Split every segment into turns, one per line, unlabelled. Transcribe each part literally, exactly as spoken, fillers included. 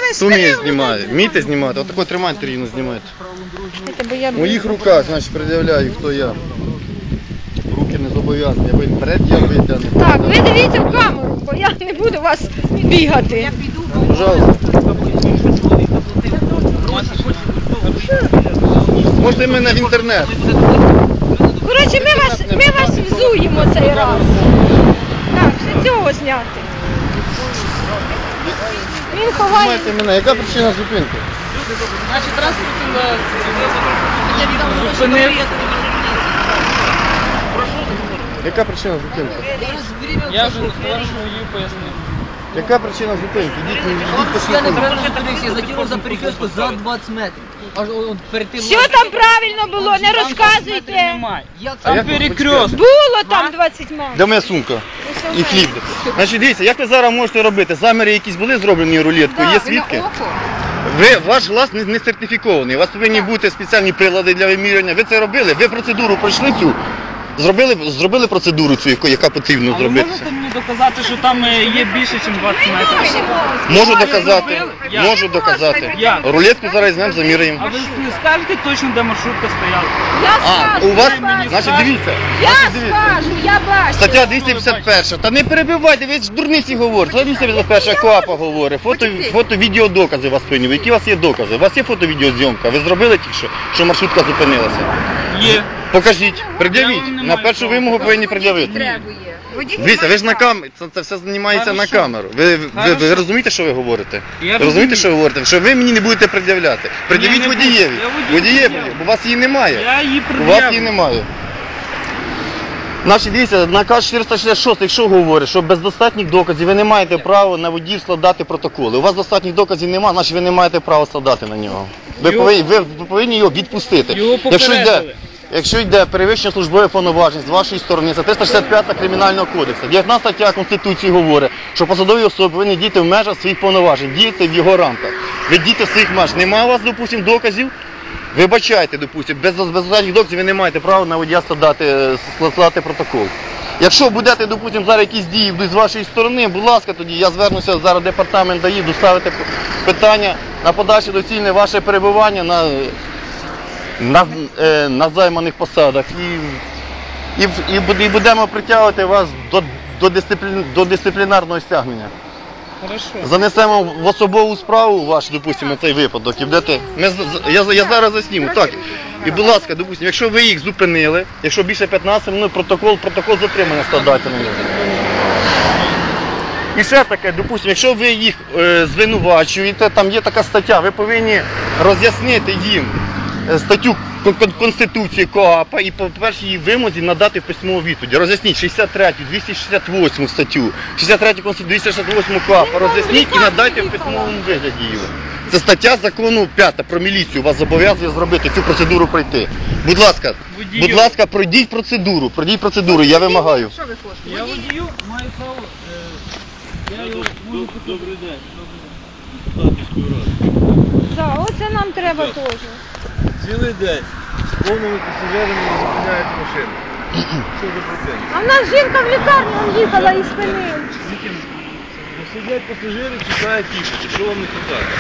Хто не знімає? Вмієте знімати? Отако тримайте рівно, знімайте. В моїх руках, значить, пред'являю, хто я. Руки не зобов'язані, ви пред'явите, а не
Так, ви дивіться в камеру, бо я не буду вас бігати.
Пожалуйста. Можете мене в інтернет.
Коротше, ми вас, ми вас взуємо цей раз. Так, все цього зняти. Він ховає.
Знімайте мене. Яка причина зупинки?
Наші транспортні зупинив.
Яка причина зупинки?
Я вже товаришу водію пояснив.
Яка причина зупинки? Ідіть, ідіть по
Я
шляху.
неправильно зупинився, я закинув за перекрестку за двадцять метрів. Аж от перед тим...
Все там правильно було, не розказуйте.
Немає.
Як
А
це?
як ви
перекрест.
Було там двадцять метрів.
Де моя сумка? І хліб. Значить, дивіться, як ви зараз можете робити? Заміри якісь були зроблені рулеткою, є свідки? Ви, ваш глаз не, не сертифікований, у вас повинні бути спеціальні прилади для вимірювання. Ви це робили? Ви процедуру пройшли цю? Зробили, зробили процедуру цю, яку- яка потрібно
А ви
зробити?
можете мені доказати, що там е, є більше, ніж двадцять метрів?
Можу доказати,
Як?
можу доказати.
Як?
Рулетку зараз візьмемо, заміряємо.
А ви не скажете точно, де маршрутка стояла?
Я
А,
скажу,
у вас,
я скажу.
значить, дивіться.
Я
Значить, дивіться.
скажу, я бачу.
Стаття двісті п'ятдесят перша. Та не перебивайте, ви ж дурниці говорите. Стаття двісті п'ятдесят перша КОАПа говорить. Фото, фото, відеодокази у вас повинні. Які у вас є докази? У вас є фото-відеозйомка? Ви зробили тільки що, що маршрутка зупинилася?
Є.
Покажіть, пред'явіть.
Я вам не
На
маю
першу
права.
вимогу повинні пред'явити. Дивіться, ви ж на камері, це, це все знімається на
Хорошо.
камеру. Ви, ви, ви,
Хорошо.
розумієте, що ви говорите?
Я
Ви розумієте,
розумію.
що ви говорите? Що ви мені не будете пред'являти. Пред'явіть
не буду.
водієві.
Я водію
Водієві,
пред'явлю.
бо у вас її немає.
Я її
У вас її
пред'явлю.
немає. Значить, дивіться, наказ чотириста шістдесят шість, якщо говорить, що без достатніх доказів ви не маєте права на водіїв складати протоколи. У вас достатніх доказів немає, значить ви не маєте права складати на нього. Ви
Його-
повинні, ви, ви повинні його відпустити.
Його
Якщо йде,
попередили.
якщо йде перевищення службових повноважень з вашої сторони, це триста шістдесят п'ята Кримінального кодексу. дев'ятнадцята стаття Конституції говорить, що посадові особи повинні діяти в межах своїх повноважень, діяти в його рамках. Ви діти в своїх меж. Немає у вас, допустимо, доказів? Вибачайте, допустимо, без, без достатніх доказів ви не маєте права на водія складати, складати протокол. Якщо будете, допустимо, зараз якісь дії будуть з вашої сторони, будь ласка, тоді я звернуся зараз в департамент ДАІ, доставити питання на подальше доцільне ваше перебування на, на, е, на займаних посадах. І, і, і, буде- і будемо притягувати вас до, до, дисциплін, до дисциплінарного стягнення.
Хорошо.
Занесемо в особову справу ваш, допустимо, цей випадок. І будете... Ми, з- з- я, я зараз засніму. Так. І, будь ласка, допустимо, якщо ви їх зупинили, якщо більше п'ятнадцять минут, протокол, протокол затримання складайте на нього. І ще таке, допустимо, якщо ви їх е, звинувачуєте, там є така стаття, ви повинні роз'яснити їм е, статтю Кон- Кон- Конституції КОАПа і по першій її вимозі надати письмову відповідь. Роз'ясніть шістдесят третю, двісті шістдесят восьму статтю, шістдесят третю Конституції, двісті шістдесят восьму КОАПа, роз'ясніть і надайте в письмовому вигляді її. Це стаття закону п'ята про міліцію, вас зобов'язує зробити цю процедуру пройти. Будь ласка,
Водію.
будь ласка, пройдіть процедуру, пройдіть процедуру, я вимагаю.
Я водію маю право. е, Я його можу купити. Добрий день.
Так, оце нам треба теж.
Цілий день з повними пасажирами не зупиняють машини. Що за процент?
А в нас жінка в лікарню он їхала і спинила.
Ну, сидять пасажири, чекають їхати. Що вам не хватає?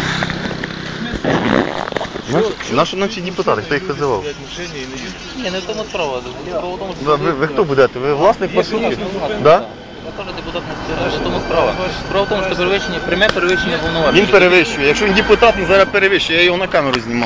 Наші наші депутати, хто їх визивав?
Сидять в машині і не їдуть.
Ні, не в тому справа. Справа в тому, що...
Ви, ви, ви хто будете? Ви власник маршрутки? Да?
Я теж депутат не скажу, в тому справа. Справа в тому, що перевищення, пряме перевищення повноважень.
Він перевищує. Якщо він депутат, він зараз перевищує, я його на камеру знімаю.